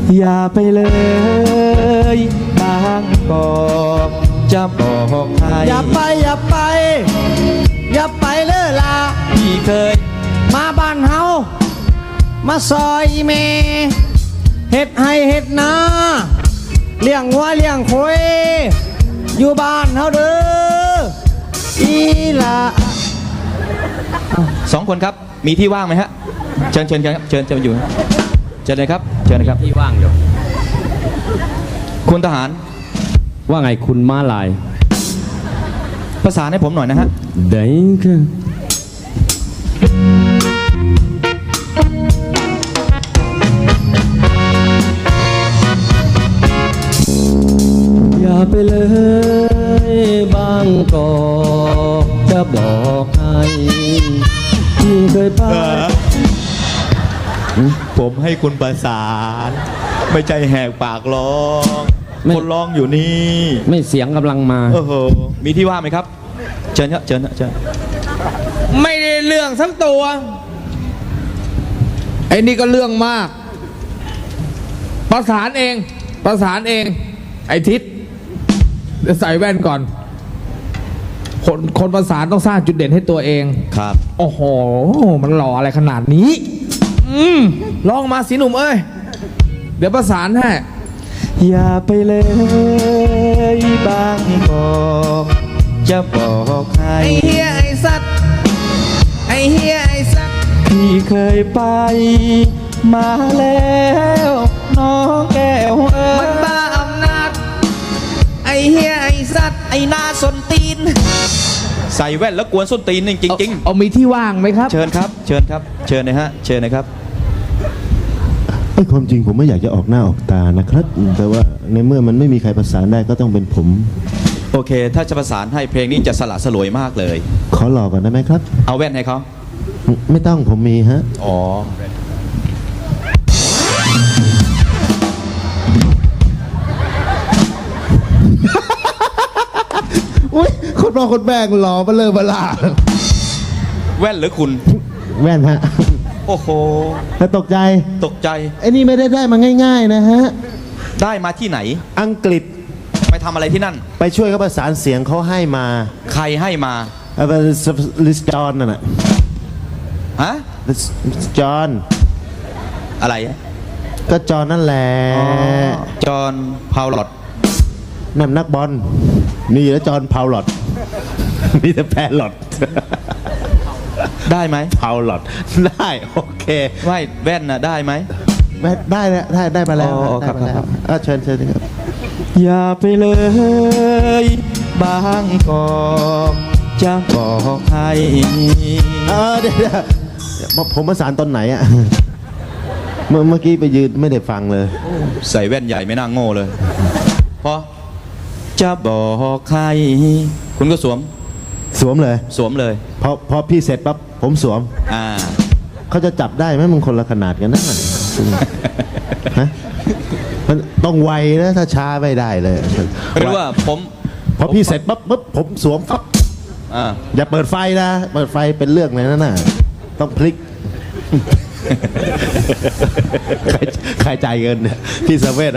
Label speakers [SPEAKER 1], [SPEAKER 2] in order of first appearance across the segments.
[SPEAKER 1] อย่าไปเลยบางกอกจะบอกใคร
[SPEAKER 2] อย่าไปอย่าไปอย่าไปเลยล่ะ
[SPEAKER 1] พี่เคย
[SPEAKER 2] มาบ้านเฮามาซอยเมเฮ็ดให้เฮ็ดนาเลี้ยงวัวเลี้ยงควายอยู่บ้านเฮาเด้ออีล่ะ
[SPEAKER 1] สองคนครับมีที่ว่างไหมฮะเชิญครับเชิญอยู่เชิญเลยครับเชิญเลยครับ
[SPEAKER 3] ที่ว่างอยู่
[SPEAKER 1] คุณทหาร
[SPEAKER 3] ว่าไงคุณม้าลาย
[SPEAKER 1] ประสานให้ผมหน่อยนะฮะ
[SPEAKER 3] ได้ค่ะอย่าไปเลยบางกอกจะบอกให้ที่เคยไป
[SPEAKER 1] ผมให้คุณประสานไม่ใจแหกปากร้องคนร้องอยู่นี่
[SPEAKER 3] ไม่เสียงกำลังมา
[SPEAKER 1] มีที่ว่างไหมครับเชิญครับเชิญ
[SPEAKER 2] ไม่ได้เรื่องทั้งตัวไอ้นี่ก็เรื่องมากประสานเองไอ้ทิศใส่แว่นก่อนคนประสานต้องสร้างจุดเด่นให้ตัวเอง
[SPEAKER 1] ครับ
[SPEAKER 2] โอ้โหมันหล่ออะไรขนาดนี้ลองมาสิหนุ่มเอ้ยเดี๋ยวประสานให้
[SPEAKER 1] อย่าไปเลยบางกอกจะบอกใคร
[SPEAKER 2] ไอ้เฮียไอ้สัตว์
[SPEAKER 1] พี่เคยไปมาแล้วน้องแก้ว
[SPEAKER 2] มันบ้าอำนาจไอ้เฮียไอ้สัตว์ไอ้หน้าส้นตีน
[SPEAKER 1] ใส่แว่นแล้วกวนส้นตีนจริง
[SPEAKER 2] เอามีที่ว่างไหมครับ
[SPEAKER 1] เชิญครับเชิญนะฮะเชิญนะครับ
[SPEAKER 4] ความจริงผมไม่อยากจะออกหน้าออกตานะครับแต่ว่าในเมื่อมันไม่มีใครประสานได้ก็ต้องเป็นผม
[SPEAKER 1] โอเคถ้าจะประสานให้เพลงนี้จะสละสลวยมากเลย
[SPEAKER 4] ขอหลอกก่อนได้ไหมครับ
[SPEAKER 1] เอาแว่นให้เขา
[SPEAKER 4] ไม่ต้องผมมีฮะ
[SPEAKER 1] อ๋อ
[SPEAKER 4] อุ้ยคนรอคนแบกหล่อมาเลยมาล่า
[SPEAKER 1] แว่นหรือคุณ
[SPEAKER 4] แว่นฮะ
[SPEAKER 1] โอ้โห
[SPEAKER 4] แล้วตกใจไอ้นี่ไม่ได้มาง่ายๆนะฮะ
[SPEAKER 1] ได้มาที่ไหน
[SPEAKER 4] อังกฤษ
[SPEAKER 1] ไปทำอะไรที่นั่น
[SPEAKER 4] ไปช่วยเขาประสานเสียงเขาให้มา
[SPEAKER 1] ใครให้มา
[SPEAKER 4] ลิสจอนน่ะ
[SPEAKER 1] ฮะ
[SPEAKER 4] จอน
[SPEAKER 1] อะไร
[SPEAKER 4] ก็จอนนั่นแหละ
[SPEAKER 1] จอนพาวลอต
[SPEAKER 4] นั่นนักบอลนี่แล้วจอนพาวลอตมีแต่แพลลอต
[SPEAKER 1] ได้ไหม
[SPEAKER 4] พาวลอตได้โอเค
[SPEAKER 1] ไม่แว่นน่ะได้ไหม
[SPEAKER 4] ได้มาแล้ว
[SPEAKER 1] ครับ
[SPEAKER 4] เชิญครับ
[SPEAKER 1] อย่าไปเลยบางกอกจะบอกใคร
[SPEAKER 4] เดี๋ยวผมประสานตอนไหนอ่ะเมื่อกี้ไปยืนไม่ได้ฟังเลย
[SPEAKER 1] ใส่แว่นใหญ่ไม่น่าโง่เลยพอจะบอกใครคุณก็สวมเลย
[SPEAKER 4] พอพี่เสร็จปั๊บผมสวมเขาจะจับได้ไหมมึงคนละขนาดกันนะฮะมันต้องไวนะถ้าช้าไม่ได้เลย
[SPEAKER 1] ไม่รู้ว่า
[SPEAKER 4] พอพี่เสร็จปั๊บผมสวมปั๊บอย่าเปิดไฟนะเปิดไฟเป็นเรื่องเลยนะน่ะต้องพลิกใครจ่ายเงินพี่เซเว่น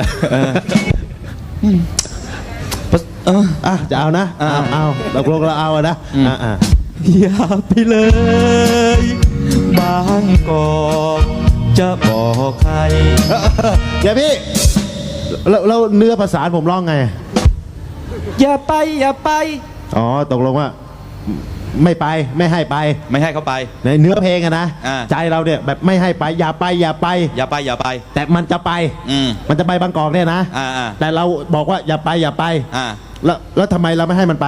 [SPEAKER 4] จะเอานะเอาเราลงเราเอานะ
[SPEAKER 1] อย่าไปเลยบางกอกจะบอกใคร
[SPEAKER 4] เดี๋ยวพี่เราเนื้อภาษาผมร้องไง
[SPEAKER 1] อย่าไป
[SPEAKER 4] อ๋อตกลงว่าไม่ไปไม่ให้
[SPEAKER 1] เขาไป
[SPEAKER 4] ในเนื้อเพลงอะนะใจเราเนี่ยแบบไม่ให้ไปอย่าไปแต่มันจะไปมันจะไปบางกอกเนี่ยนะแต่เราบอกว่าอย่าไปแล้วทำไมเราไม่ให้มันไป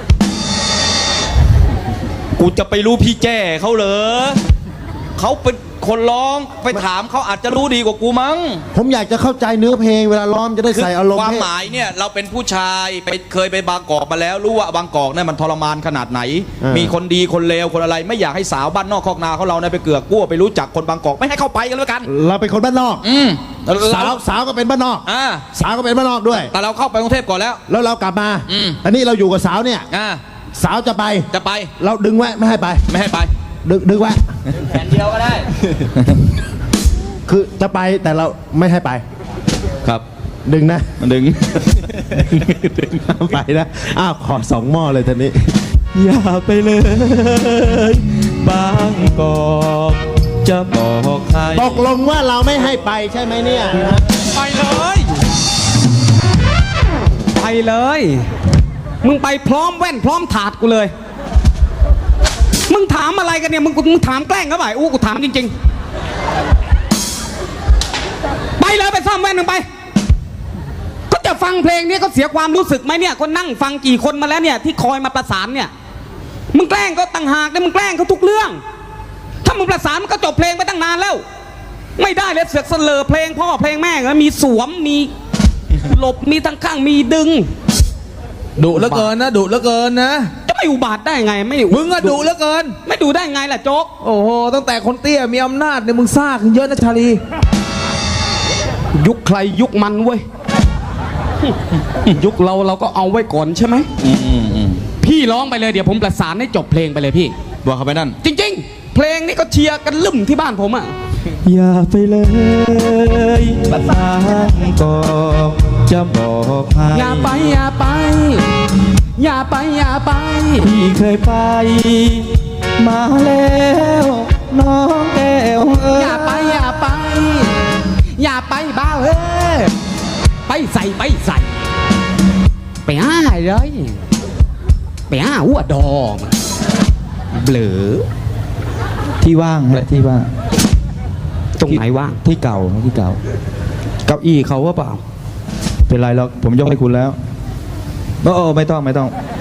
[SPEAKER 1] กูจะไปรู้พี่แจ้เขาเหรอเขาเป็นคนร้องไปถามเขาอาจจะรู้ดีกว่ากูมั้ง
[SPEAKER 4] ผมอยากจะเข้าใจเนื้อเพลงเวลาร้องจะได้ใส่อารมณ์
[SPEAKER 1] ความหมายเนี่ยเราเป็นผู้ชายเคยไปบางกอกมาแล้วรู้ว่าบางกอกเนี่ยมันทรมานขนาดไหนมีคนดีคนเลวคนอะไรไม่อยากให้สาวบ้านนอกคอกนาเขาเราเนี่ยไปเกือกกลัวไปรู้จักคนบางกอกไม่ให้เข้าไปกันแล้วกัน
[SPEAKER 4] เราเป็นคนบ้านนอกสาวก็เป็นบ้านนอกสาวก็เป็นบ้านนอกด้วย
[SPEAKER 1] แต่เราเข้าไปกรุงเทพก่อนแล้ว
[SPEAKER 4] เรากลับมาอันนี้เราอยู่กับสาวเนี่ยสาวจะไปเราดึงไว้ไม่ให้ไปดึงไว้
[SPEAKER 1] แผ่นเดียวก็ได้
[SPEAKER 4] คือจะไปแต่เราไม่ให้ไป
[SPEAKER 1] ครับ
[SPEAKER 4] ดึงนะ
[SPEAKER 1] มันดึง
[SPEAKER 4] ไปนะอ้าวขอ2 หม้อเลยทีนี้
[SPEAKER 1] อย่าไปเลยบางกอกจะบอกใคร
[SPEAKER 4] ตกลงว่าเราไม่ให้ไปใช่ไหมเนี่ย
[SPEAKER 2] ไปเลย ไปเลย มึงไปพร้อมแว่นพร้อมถาดกูเลย มึงถามอะไรกันเนี่ยมึงถามแกล้งเขาเปล่ากูถามจริงๆไปเลยไปซ่อมแว่นมึงไปก็จะฟังเพลงนี้ก็เสียความรู้สึกไหมเนี่ยก็นั่งฟังกี่คนมาแล้วเนี่ยที่คอยมาประสานเนี่ยมึงแกล้งก็ต่างหากเนี่ยมึงแกล้งเขาทุกเรื่องถ้ามึงประสานมันก็จบเพลงไปตั้งนานแล้วไม่ได้เลยเสือกเสลอเพลงพ่อเพลงแม่ก็มีสวมมีหลบมีทั้งข้างมีดึง
[SPEAKER 5] ดุเหลือเกินนะดุเหลือเกินนะ
[SPEAKER 2] จะไม่อุบาทได้ไงไม่
[SPEAKER 5] มึงอะดุเหลือเกิน
[SPEAKER 2] ไม่ดูได้ไงล่ะโจ๊ก
[SPEAKER 5] โอ้โหตั้งแต่คนเตี้ยมีอำนาจเนี่ยมึงซ่าขึ้นเยอะนะชาลี
[SPEAKER 2] ยุคใครยุคมันเว้ย ยุคเราก็เอาไว้ก่อนใช่ไหมพี่ร้องไปเลยเดี๋ยวผมประสานให้จบเพลงไปเลยพี่
[SPEAKER 1] บอกเขาไปนั่น
[SPEAKER 2] จริงๆ เพลงนี้ก็เชียร์กันลืมที่บ้านผมอ่ะ
[SPEAKER 1] อย่าไปเลยบางกอกจะบอกใคร
[SPEAKER 2] อย่าไปอย่าไป อย่าไปอย่าไป
[SPEAKER 1] พี่เคยไป มาแล้วน้องแก้วเอ้ย
[SPEAKER 2] อย่าไปอย่าไป อย่าไปบ้าเฮ้ยไปใส่ไปใส่ไปห้าเลยไปห้าหัวดอมเบลอ
[SPEAKER 1] ที่ว่างแหละที่ว่าง
[SPEAKER 2] ตรงไหนว่าง
[SPEAKER 1] ที่เก่าที่เก่าเก้าอี้เขาว่าเปล่า เป็นไรหรอกผมยกให้คุณแล้วไม่ต้อง